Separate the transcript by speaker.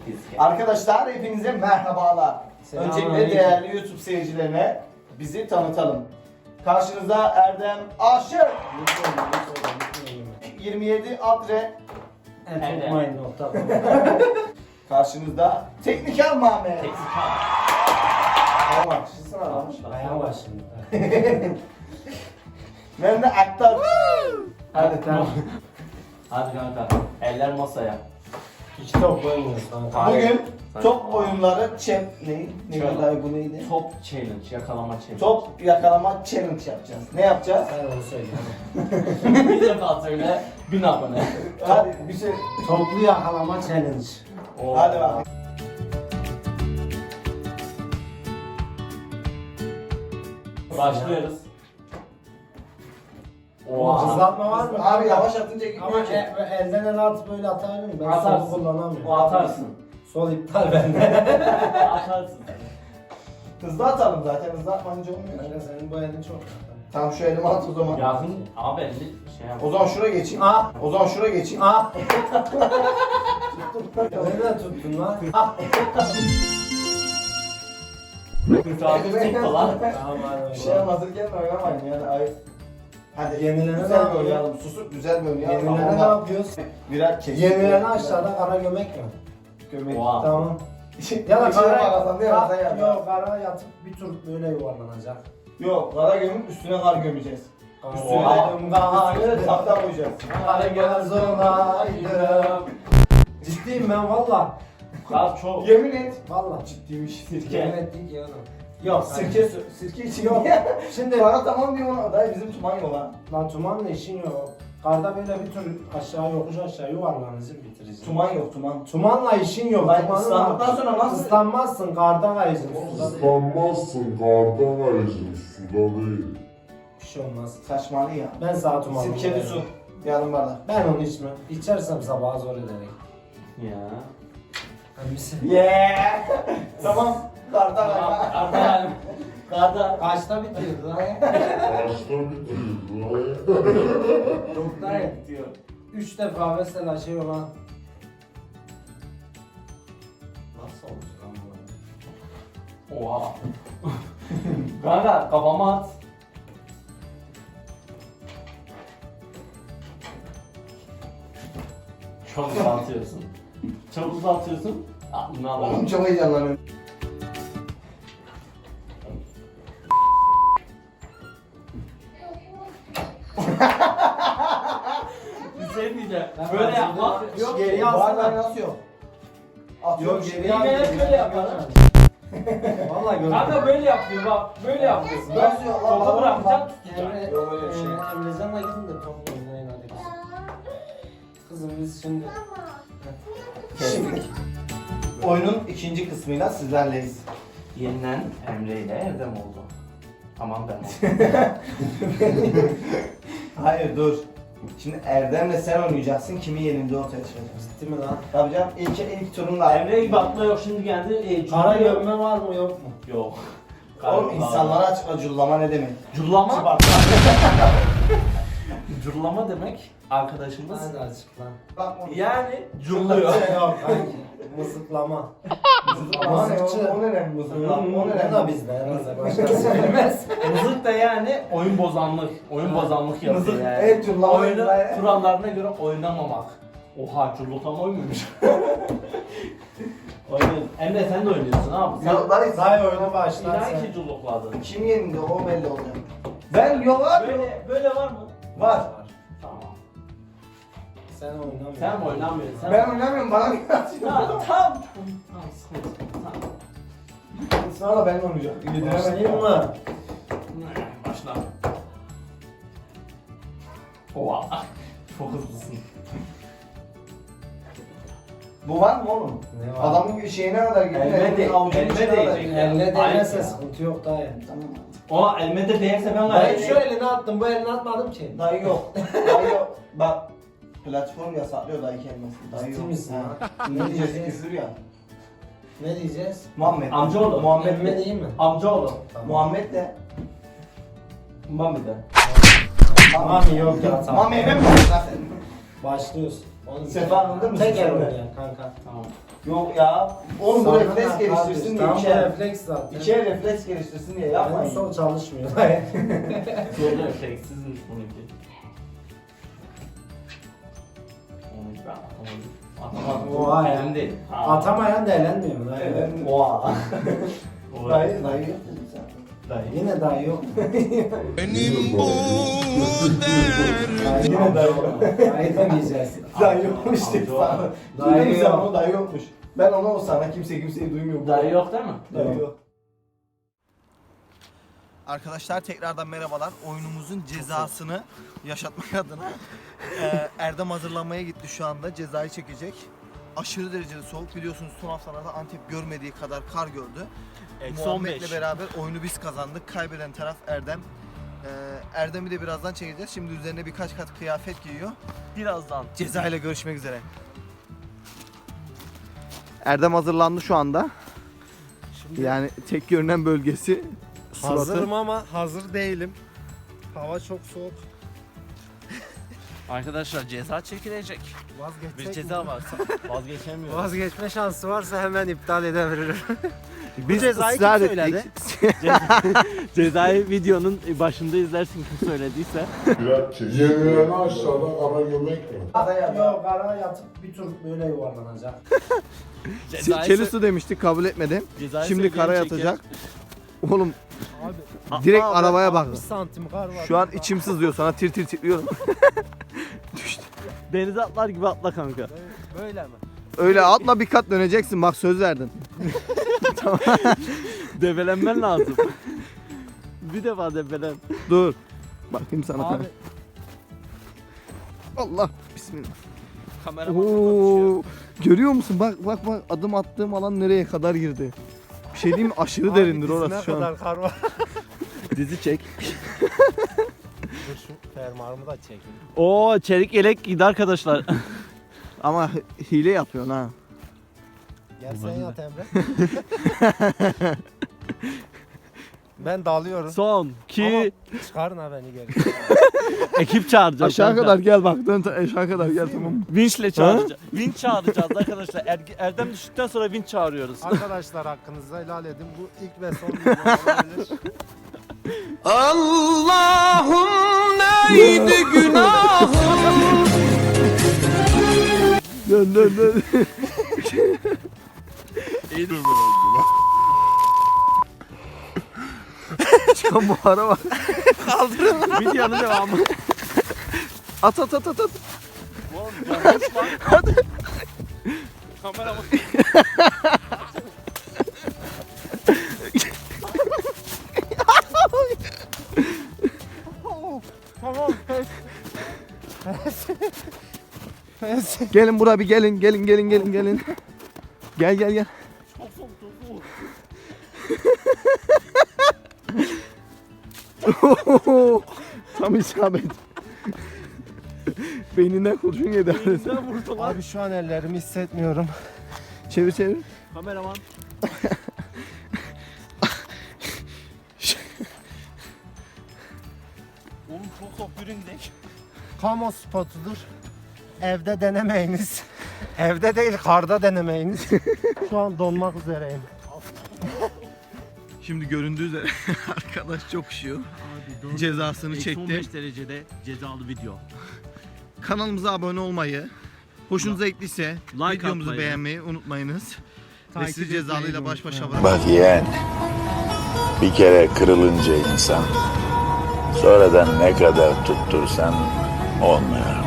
Speaker 1: Arkadaşlar hepinize merhabalar.
Speaker 2: Selamünaleyküm.
Speaker 1: Öncelikle değerli YouTube seyircilerine bizi tanıtalım. Karşınızda Erdem Aşık, 27 Adre, karşınızda Tekniker Mehmet. Tamam,
Speaker 2: Bayağı var şimdi.
Speaker 1: Ben de Aktar. Hadi
Speaker 2: tamam.
Speaker 3: Hadi kanka, eller masaya.
Speaker 2: İki top oynuyoruz kanka.
Speaker 1: Bugün
Speaker 3: Sen-
Speaker 1: top oyunları neydi?
Speaker 3: Şöyle.
Speaker 1: Neydi bu neydi?
Speaker 3: Top challenge, yakalama challenge.
Speaker 1: Top yakalama challenge yapacağız. Ne yapacağız?
Speaker 2: Sen onu söyle.
Speaker 3: Bir defa söyle, 1000 abone.
Speaker 1: Hadi bir şey.
Speaker 2: Toplu yakalama challenge.
Speaker 3: Oo.
Speaker 1: Hadi bakalım.
Speaker 3: Başlıyoruz. Oha.
Speaker 2: Hızlatma var mı?
Speaker 1: Abi yavaş atınca
Speaker 2: Ama
Speaker 1: gitmiyor ki.
Speaker 2: elden ele at böyle atarım. Ben
Speaker 3: Atarsın.
Speaker 2: solu kullanamıyorum.
Speaker 3: O atarsın.
Speaker 2: Sol iptal bende.
Speaker 3: Atarsın.
Speaker 1: Hızlı atalım zaten. Hızlı atmayınca olmuyor.
Speaker 2: Kanka senin bu elin çok.
Speaker 1: Tamam şu elimi at o zaman.
Speaker 3: Yakın, abi elli şey yap.
Speaker 1: O zaman şuraya geçeyim.
Speaker 2: Ah!
Speaker 1: O zaman şuraya geçeyim.
Speaker 2: Ah! Nereden tuttun lan? Ah!
Speaker 3: Kurtardık tuttu lan.
Speaker 2: Tamam hadi.
Speaker 1: Bir şey hazırken oynamayın yani. Ay. Hadi
Speaker 2: Yenilerine
Speaker 1: güzel
Speaker 2: ne
Speaker 1: bir
Speaker 2: yapıyor?
Speaker 1: oynayalım. Susup güzel bir oynayalım.
Speaker 2: Yenilerine ne
Speaker 1: Ama
Speaker 2: yapıyoruz?
Speaker 1: birer kesin.
Speaker 2: Yenilerine aşağıda kara gömek mi?
Speaker 1: Gömek.
Speaker 3: Oha.
Speaker 2: Tamam.
Speaker 1: Ya da
Speaker 2: kara
Speaker 1: kara değil mi? Sen yap.
Speaker 2: Yok kara yatıp bir tur böyle yuvarlanacak.
Speaker 1: Yok kara gömüp üstüne kar gömeceğiz. Üstüne
Speaker 3: Oha.
Speaker 1: üstüne tahta koyacağız.
Speaker 2: Kara göz olaydım. Ciddiyim ben valla.
Speaker 3: Kar çok.
Speaker 1: Yemin et.
Speaker 2: Valla.
Speaker 1: Ciddiymiş.
Speaker 3: Sirke.
Speaker 2: Evet değil ki oğlum.
Speaker 1: Yok sirke için
Speaker 2: Yok.
Speaker 1: yok.
Speaker 2: Şimdi
Speaker 1: Kara tamam diyor ona. Dayı bizim tuman yok ha.
Speaker 2: lan tumanla işin yok. Karda böyle bir tur aşağı yokuş aşağı yuvarlanırsın bitireceğim.
Speaker 1: Tuman yok tuman.
Speaker 2: Tumanla işin yok.
Speaker 1: Lan
Speaker 2: Tumanla-
Speaker 1: ıslandıktan sonra nasıl?
Speaker 2: Islanmazsın karda kayacaksın. Suda değil.
Speaker 4: Islanmazsın kardan ayıcın suda değil.
Speaker 2: Bir şey olmaz.
Speaker 1: Saçmalı ya.
Speaker 2: Ben sana tumanla.
Speaker 1: Sirkeli su. Yarım bardak.
Speaker 2: Ben onu içmem. İçersem sabaha zor ederek.
Speaker 3: Ya.
Speaker 2: Hangisi?
Speaker 1: Yeah. Tamam. Karda kayma.
Speaker 3: Karda. Karda.
Speaker 2: Kaçta bitirdi lan?
Speaker 4: Başta bitirdi.
Speaker 2: Doktor
Speaker 3: diyor.
Speaker 2: 3 defa mesela şey olan. Nasıl olmuş lan bu?
Speaker 3: Oha. Kanka kafama at. Çok uzatıyorsun. Çok uzatıyorsun. Aklını
Speaker 1: Oğlum
Speaker 3: alalım.
Speaker 1: çok heyecanlanıyorum.
Speaker 3: Bir şey diyeceğim.
Speaker 2: Ben
Speaker 3: Böyle
Speaker 2: hazırda-
Speaker 3: yapma. Yok.
Speaker 2: Geri
Speaker 1: Bardağı
Speaker 2: alsana.
Speaker 1: nasıl yok? Atıyorum
Speaker 2: Yok
Speaker 1: geri.
Speaker 2: geri al.
Speaker 3: Ben hep böyle yaparım.
Speaker 2: Valla gördüm.
Speaker 3: Kanka böyle yapıyor bak. Böyle yapıyorsun.
Speaker 1: Nasıl yok?
Speaker 3: Topu
Speaker 1: Lan,
Speaker 3: bırakacaksın.
Speaker 2: Emre,
Speaker 1: Yok öyle bir şey.
Speaker 2: Emrecan'la gidin de top oynayın hadi kızım. Kızım biz şimdi...
Speaker 1: Şimdi oyunun ikinci kısmıyla sizlerleyiz.
Speaker 3: Yenilen Emre ile Erdem oldu. Tamam ben oldum.
Speaker 1: Hayır dur. Şimdi Erdem'le sen oynayacaksın. Kimi yenildi ortaya çıkacağız.
Speaker 2: Ciddi mi lan?
Speaker 1: Tabii canım ilk turunda.
Speaker 3: Emre gibi atma yok şimdi geldi.
Speaker 2: Kara gömme var mı yok mu?
Speaker 3: Yok.
Speaker 1: Oğlum insanlara açıkla cullama ne demek?
Speaker 3: Cullama. Cullama demek arkadaşımız.
Speaker 2: Hadi açıkla.
Speaker 1: Bak
Speaker 3: Yani culluyor.
Speaker 2: Yok kanki. Mızıklama.
Speaker 1: Mızıklama ne? O ne lan mızıklama? O ne
Speaker 2: O da
Speaker 1: lan?
Speaker 2: bizde herhalde başkası bilmez.
Speaker 3: Mızık da yani oyun bozanlık. Oyun bozanlık yapıyor
Speaker 1: Mızık,
Speaker 3: yani.
Speaker 1: evet, cullama
Speaker 3: Oyunu
Speaker 1: yapıyor.
Speaker 3: kurallarına göre oynamamak. Oha cullukama oymuyormuş. Oynuyorsun. Emre sen de oynuyorsun abi. Sen
Speaker 1: Yok lan
Speaker 2: Say oyunu başlar
Speaker 3: İnan
Speaker 2: sen.
Speaker 3: ki cullukladın.
Speaker 1: kim yenildi o belli olacak. Ben yok abi.
Speaker 3: Böyle var mı?
Speaker 1: Var.
Speaker 3: Tamam.
Speaker 2: Sen oynamıyorsun.
Speaker 3: Sen oynamıyorsun. Sen...
Speaker 1: Ben oynamıyorum bana bir atıyor.
Speaker 3: Tamam. Sıkıntı. Tamam.
Speaker 1: Sonra ben oynayacağım.
Speaker 2: Başlayayım mı?
Speaker 3: Başla. Oha. Çok hızlısın.
Speaker 1: Bu var mı oğlum?
Speaker 2: Ne var?
Speaker 1: Adamın şeyine kadar gidiyor.
Speaker 3: Elime de-
Speaker 1: avucunun
Speaker 3: elime
Speaker 1: içine kadar
Speaker 3: değecek.
Speaker 1: gidiyor.
Speaker 2: Elle
Speaker 3: Ayıp
Speaker 2: değmezse
Speaker 3: ya.
Speaker 2: sıkıntı yok dayı.
Speaker 1: Tamam.
Speaker 3: O elime de değerse ben
Speaker 2: Ben
Speaker 3: gayet
Speaker 2: şu elini attım bu elini atmadım ki.
Speaker 1: Dayı yok. Dayı yok. Bak platform yasaklıyor dayı kelimesini. Dayı
Speaker 2: Ciddi
Speaker 1: yok.
Speaker 2: misin
Speaker 1: Ha.
Speaker 2: lan?
Speaker 1: İngilizcesi küfür ya.
Speaker 2: Ne diyeceğiz?
Speaker 1: Muhammed.
Speaker 3: Amcaoğlu.
Speaker 1: Muhammed
Speaker 2: Emme
Speaker 1: de.
Speaker 2: değil mi?
Speaker 3: Amcaoğlu.
Speaker 2: Tamam.
Speaker 1: Muhammed de.
Speaker 3: Mami de.
Speaker 2: Mami yok ya tamam.
Speaker 1: Mami eve mi zaten?
Speaker 2: Başlıyoruz. Oğlum,
Speaker 1: Sefa anladın mı?
Speaker 2: Tek el
Speaker 1: Sefa.
Speaker 2: oynayan kanka.
Speaker 3: Tamam.
Speaker 1: Yok ya. Oğlum bu
Speaker 2: Sana
Speaker 1: refleks
Speaker 2: ne
Speaker 1: geliştirsin
Speaker 2: kardeş?
Speaker 1: diye
Speaker 2: Tamam bu
Speaker 1: içer.
Speaker 2: refleks zaten.
Speaker 1: İçer refleks geliştirsin diye
Speaker 2: Benim
Speaker 1: yapmayın.
Speaker 2: sol çalışmıyor.
Speaker 3: Sol refleksizmiş bununki. Onu ben atamadım.
Speaker 2: Oha ya.
Speaker 3: Elimde.
Speaker 2: Atamayan da elenmiyor mu?
Speaker 1: Evet. Oha.
Speaker 3: O-
Speaker 1: Dayı yok dedin sen.
Speaker 3: Dayı.
Speaker 2: Yine daha yok.
Speaker 4: Benim bu
Speaker 2: Daha yine daha yok. Dayı demeyeceğiz.
Speaker 1: Dayı yokmuş
Speaker 3: Amca
Speaker 1: dedi
Speaker 3: o.
Speaker 1: sana.
Speaker 2: Dayı
Speaker 1: Duydun
Speaker 2: yok.
Speaker 1: sen onu, dayı yokmuş. Ben onu o sana kimseyi duymuyor.
Speaker 3: Dayı yok değil mi?
Speaker 1: Dayı yok.
Speaker 5: Arkadaşlar tekrardan merhabalar. Oyunumuzun cezasını yaşatmak adına Erdem hazırlanmaya gitti şu anda. Cezayı çekecek. Aşırı derecede soğuk. Biliyorsunuz son haftalarda Antep görmediği kadar kar gördü. Muhammed'le beraber oyunu biz kazandık. Kaybeden taraf Erdem. Erdem'i de birazdan çekeceğiz. Şimdi üzerine birkaç kat kıyafet giyiyor.
Speaker 3: Birazdan.
Speaker 5: Cezayla görüşmek üzere. Erdem hazırlandı şu anda. Yani tek görünen bölgesi
Speaker 6: Hazırım ama hazır değilim. Hava çok soğuk.
Speaker 7: Arkadaşlar ceza çekilecek.
Speaker 6: Vazgeçsek
Speaker 7: Bir ceza varsa vazgeçemiyoruz.
Speaker 6: Vazgeçme şansı varsa hemen iptal edebilirim.
Speaker 5: Biz
Speaker 7: cezayı
Speaker 5: ısrar
Speaker 7: kim
Speaker 5: ettik.
Speaker 7: söyledi? Cezayı videonun başında izlersin kim söylediyse.
Speaker 4: biraz çek. Yenilene aşağıda kara gömek mi?
Speaker 2: Yok ara yatıp bir tur böyle yuvarlanacak.
Speaker 5: Çeli su demiştik, kabul etmedi.
Speaker 7: Cezayı
Speaker 5: Şimdi
Speaker 7: söyleyen
Speaker 5: kara
Speaker 7: çeker.
Speaker 5: yatacak. Oğlum
Speaker 6: Abi
Speaker 5: direkt arabaya bak.
Speaker 6: 60 santim kar var.
Speaker 5: Şu an içim sızlıyor, sana tir tir titriyorum.
Speaker 7: Denize atlar gibi atla kanka.
Speaker 6: Böyle mi?
Speaker 5: Öyle atla bir kat döneceksin, bak söz verdin.
Speaker 7: Debelenmen lazım. Bir defa debelen.
Speaker 5: Dur. Bakayım sana.
Speaker 6: Abi
Speaker 5: Allah. Bismillah.
Speaker 7: Kameraman konuşuyor.
Speaker 5: Oo. Görüyor musun? Bak bak bak, adım attığım alan nereye kadar girdi. Bir şey diyeyim mi? Aşırı
Speaker 6: abi
Speaker 5: derindir
Speaker 6: dizine
Speaker 5: orası şu an.
Speaker 6: kadar kar var.
Speaker 5: Dizi çek.
Speaker 6: Dur şu fermuarımı da çekeyim.
Speaker 7: Oo çelik yelek giydi arkadaşlar.
Speaker 5: Ama hile yapıyorsun ha.
Speaker 6: Gel sen yat Emre. Ben dalıyorum.
Speaker 7: Son 2
Speaker 6: Ama çıkarın ha beni geri.
Speaker 7: ekip çağıracağız.
Speaker 5: Aşağı
Speaker 7: kanka.
Speaker 5: kadar gel bak. Dön aşağı kadar gel, tamam mı?
Speaker 7: Vinçle çağıracağız. Vinç çağıracağız arkadaşlar. Erdem düştükten sonra vinç çağırıyoruz.
Speaker 6: Arkadaşlar hakkınızda helal edin. Bu ilk ve son video olabilir.
Speaker 5: Dön dön dön. Çıkan buhara bak.
Speaker 7: Videonun devamı.
Speaker 5: At at at at at.
Speaker 7: Oğlum yanlış lan.
Speaker 5: Hadi.
Speaker 7: Kamera bak.
Speaker 6: Tamam.
Speaker 5: Gelin buraya bir gelin gelin gelin gelin gelin. Gel gel gel.
Speaker 7: Çok soğuk çok soğuk.
Speaker 5: Tam isabet. Beyninden kurşun yedi.
Speaker 7: Elinden vurdu lan.
Speaker 6: Abi şu an ellerimi hissetmiyorum.
Speaker 5: Çevir çevir.
Speaker 7: Kameraman. Oğlum çok soğuk yürüyün gidelim.
Speaker 6: Kamu spotudur. Evde denemeyiniz. Evde değil karda denemeyiniz. Şu an donmak üzereyim.
Speaker 5: Şimdi göründüğü üzere arkadaş çok üşüyor. Cezasını çekti.
Speaker 7: 15 derecede cezalı video.
Speaker 5: Kanalımıza abone olmayı, hoşunuza gittiyse
Speaker 7: Like
Speaker 5: videomuzu
Speaker 7: atmayı.
Speaker 5: beğenmeyi unutmayınız. Ve
Speaker 7: Takip
Speaker 5: sizi cezalıyla
Speaker 7: etmeyi
Speaker 5: baş başa
Speaker 7: unutmayın.
Speaker 5: bırak.
Speaker 8: Bak yeğen, bir kere kırılınca insan, sonradan ne kadar tuttursan olmuyor.